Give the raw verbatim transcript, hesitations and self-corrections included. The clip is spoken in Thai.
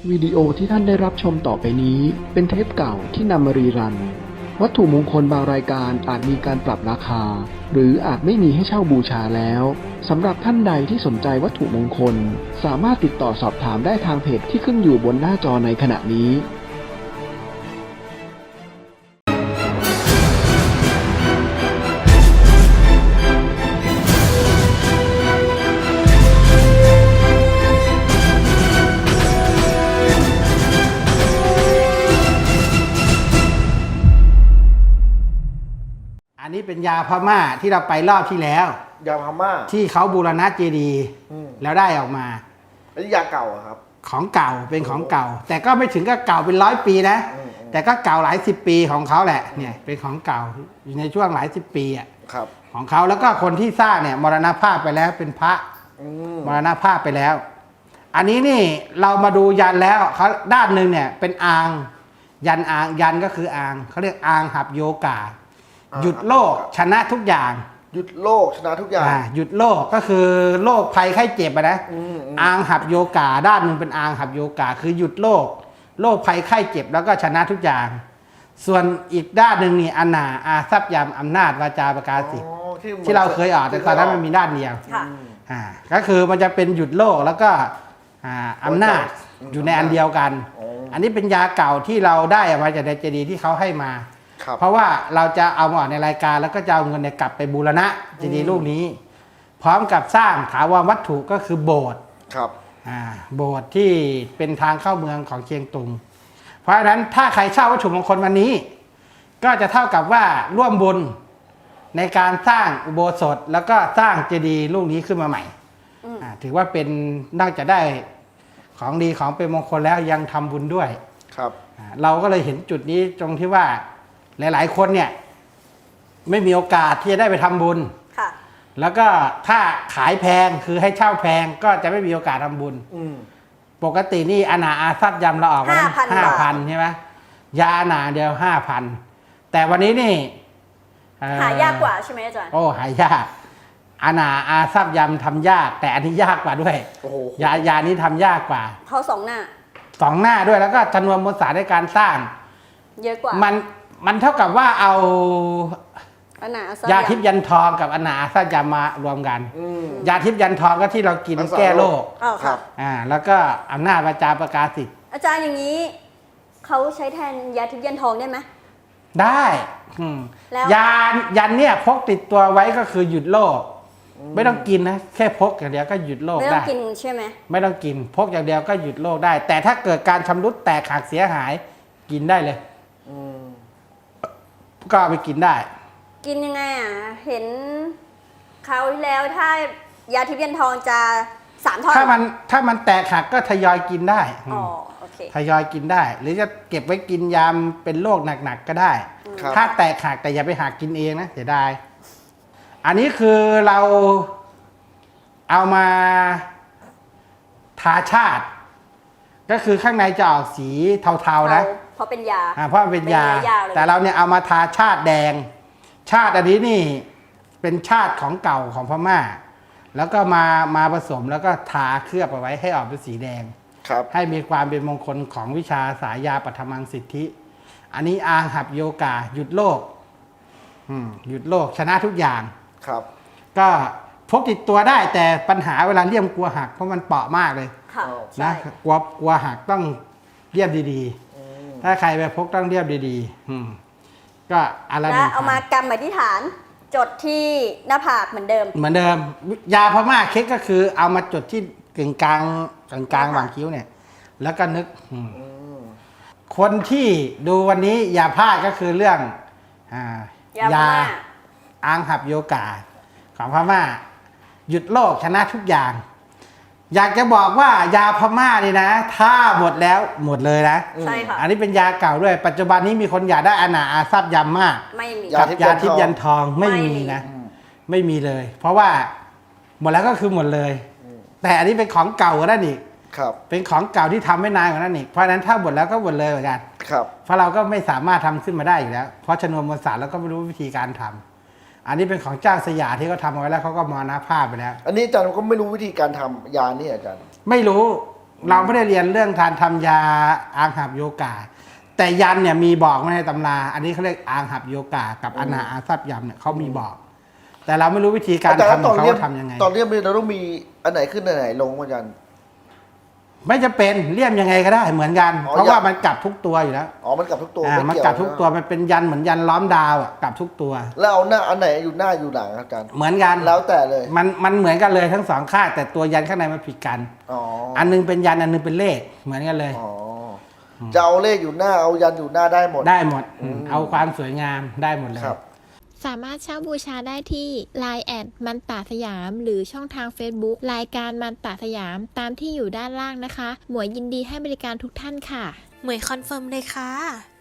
วิดีโอที่ท่านได้รับชมต่อไปนี้เป็นเทปเก่าที่นำมารีรันวัตถุมงคลบางรายการอาจมีการปรับราคาหรืออาจไม่มีให้เช่าบูชาแล้วสำหรับท่านใดที่สนใจวัตถุมงคลสามารถติดต่อสอบถามได้ทางเพจที่ขึ้นอยู่บนหน้าจอในขณะนี้อันนี้เป็นยาพม่าที่เราไปรอบที่แล้วยาพม่าที่เขาบูรณะเจดีย์แล้วได้ออกมาอันนี้ยาเก่าอะครับของเก่าเป็นของเก่าแต่ก็ไม่ถึงกับเก่าเป็นร้อยปีนะแต่ก็เก่าหลายสิบปีของเขาแหละเนี่ยเป็นของเก่าอยู่ในช่วงหลายสิบปีอ่ะของเขาแล้วก็คนที่สร้างเนี่ยมรณภาพไปแล้วเป็นพระมรณภาพไปแล้ว อันนี้นี่เรามาดูยันแล้วเขาด้านหนึ่งเนี่ยเป็นอางยันอางยันก็คืออางเขาเรียกอางหับโยกาหยุดโลกชนะทุกอย่างหยุดโลกชนะทุกอย่างหยุดโลกก็คือโรคภัยไข้เจ็บอะนะอางหับโยกาด้านหนึ่งเป็นอางหับโยกาคือหยุดโลกโรคภัยไข้เจ็บแล้วก็ชนะทุกอย่างส่วนอีกด้านหนึ่งนี่อนาอาทรัพยามอำนาจวาจาประกาศสิทธิ์ที่เราเคยอ่านแต่ตอนนั้นมันมีด้านเดียวอ่าก็คือมันจะเป็นหยุดโลกแล้วก็อำนาจอยู่ในอันเดียวกันอันนี้เป็นยาเก่าที่เราได้มาจากในเจดีย์ที่เขาให้มาเพราะว่าเราจะเอามาออกในรายการแล้วก็จะเอาเงินเนี่ยกลับไปบูรณะเจดีย์ลูกนี้ พร้อมกับสร้างถาวรวัตถุก็คือโบสถ์ครับอ่าโบสถ์ที่เป็นทางเข้าเมืองของเชียงตุงเพราะฉะนั้นถ้าใครเช่าวัตถุมงคลวันนี้ก็จะเท่ากับว่าร่วมบุญในการสร้างอุโบสถแล้วก็สร้างเจดีย์ลูกนี้ขึ้นมาใหม่อ่าถือว่าเป็นนอกจากได้ของดีของเป็นมงคลแล้วยังทำบุญด้วยครับเราก็เลยเห็นจุดนี้ตรงที่ว่าหลายๆคนเนี่ยไม่มีโอกาสที่จะได้ไปทำบุญค่ะแล้วก็ถ้าขายแพงคือให้เช่าแพงก็จะไม่มีโอกาสทำบุญปกตินี่อนาอาทรัพย์ยำเราออกมาห้าพันใช่ไหมยาอนาเดียวห้าพันแต่วันนี้นี่หายากกว่าใช่ไหมอาจารย์โอ้หายากอนาอาทรัพย์ยำทำยากแต่อันนี้ยากกว่าด้วยยายานี้ทำยากกว่าเขาสองหน้าสองหน้าด้วยแล้วก็จำนวนมวลสารในการสร้างเยอะกว่ามันมันเท่ากับว่าเอายาทิพย์ยันทองกับอนาอาทรัพย์ยำมารวมกันยาทิพย์ยันทองก็ที่เรากินแก้โรคอ่าแล้วก็อำนาจวาจาประกาศสิทธิ์อาจารย์อย่างนี้เขาใช้แทนยาทิพย์ยันทองได้ไหมได้ยายันเนี่ยพกติดตัวไว้ก็คือหยุดโรคไม่ต้องกินนะแค่พกอย่างเดียวก็หยุดโรคได้ไม่ต้องกินใช่ไหมไม่ต้องกินพกอย่างเดียวก็หยุดโรคได้แต่ถ้าเกิดการชำรุดแตกหักเสียหายกินได้เลยก็เอาไปกินได้กินยังไงอ่ะเห็นคราวที่แล้วถ้ายาทิพย์ยันทองจะสามท่อนถ้ามันถ้ามันแตกหักก็ทยอยกินได้อ๋อโอเคทยอยกินได้หรือจะเก็บไว้กินยามเป็นโรคหนักๆก็ได้ถ้าแตกหักแต่อย่าไปหักกินเองนะเสียดายอันนี้คือเราเอามาทาชาติก็คือข้างในจะออกสีเทาๆนะเพราะเป็นยาเพราะมันเป็นยาแต่เราเนี่ยเอามาทาชาติแดงชาติอันนี้นี่เป็นชาติของเก่าของพม่าแล้วก็มามาผสมแล้วก็ทาเคลือบเอาไว้ให้ออกเป็นสีแดงให้มีความเป็นมงคลของวิชาสายยาปัทมังสิทธิอันนี้อางหับโยกาหยุดโลกหยุดโลกชนะทุกอย่างครับก็พกติดตัวได้แต่ปัญหาเวลาเลี่ยมกลัวหักเพราะมันเปราะมากเลยนะกลัวกลัวหักต้องเลี่ยมดีๆถ้าใครไปพกต้องเลี่ยมดีๆก็อะไรแล้วเอามากำอธิษฐานจดที่หน้าผากเหมือนเดิมเหมือนเดิมยาพม่าเค้กก็คือเอามาจดที่กึ่งกลางกึ่งกลางหว่างคิ้วเนี่ยแล้วก็นึกคนที่ดูวันนี้อย่าพลาดก็คือเรื่องยาอางหับโยกาของพม่าหยุดโรคชนะทุกอย่างอยากจะบอกว่ายาพม่านี่นะถ้าหมดแล้วหมดเลยนะใช่ค่ะอันนี้เป็นยาเก่าด้วยปัจจุบันนี้มีคนอยากได้อนาอาทรัพย์ยำมากไม่มีกับยาทิพย์ยันทองไม่มีนะไม่มีเลย เพราะว่าหมดแล้วก็คือหมดเลยแต่อันนี้เป็นของเก่ากว่านั้นอีกเป็นของเก่าที่ทำไม่นานกว่านั้นอีกเพราะฉะนั้นถ้าหมดแล้วก็หมดเลยเหมือนกันเพราะเราก็ไม่สามารถทำขึ้นมาได้อยู่แล้วเพราะชนวนมวลสารเราก็ไม่รู้วิธีการทำอันนี้เป็นของเจ้าสยามที่เขาทำเอาไว้แล้วเขาก็มรณภาพไปแล้วอันนี้อาจารย์ก็ไม่รู้วิธีการทำยานี่อาจารย์ไม่รู้เราไม่ได้เรียนเรื่องการทำยาอางหับโยกา แต่ยันเนี่ยมีบอกไว้ในตำราอันนี้เขาเรียกอางหับโยกากับอนาอาซับยำเนี่ยเขามีบอก แต่เราไม่รู้วิธีการอาจารย์ทำขตออง นเขาเรียนทำยังไงตอนเรียนเราต้องมีอันไหนขึ้นอันไหนลงอาจารย์ไม่จะเป็นเลี่ยมยังไงก็ได้เหมือนกันอ๋อเพราะว่ายันมันกลับทุกตัวอยู่แล้วอ๋อมันกลับทุกตัวอ่าไม่มันเกี่ยวกลับทุกตัวนะมันเป็นยันเหมือนยันล้อมดาวอ่ะกลับทุกตัวแล้วเอาหน้าอันไหนอยู่หน้าอยู่หลังอาจารย์เหมือนกันแล้วแต่เลยมันมันเหมือนกันเลยทั้งสองข้างแต่ตัวยันข้างในมันผิดกันอ๋ออันนึงเป็นยันอันนึงเป็นเลขเหมือนกันเลยอ๋อจะเอาเลขอยู่หน้าเอายันอยู่หน้าได้หมดได้หมดอืมเอาความสวยงามได้หมดเลยครับสามารถเช่าบูชาได้ที่ ไลน์ แอดมันตาสยาม หรือช่องทาง Facebook รายการมันตาสยามตามที่อยู่ด้านล่างนะคะ หมวยยินดีให้บริการทุกท่านค่ะหมวยคอนเฟิร์มเลยค่ะ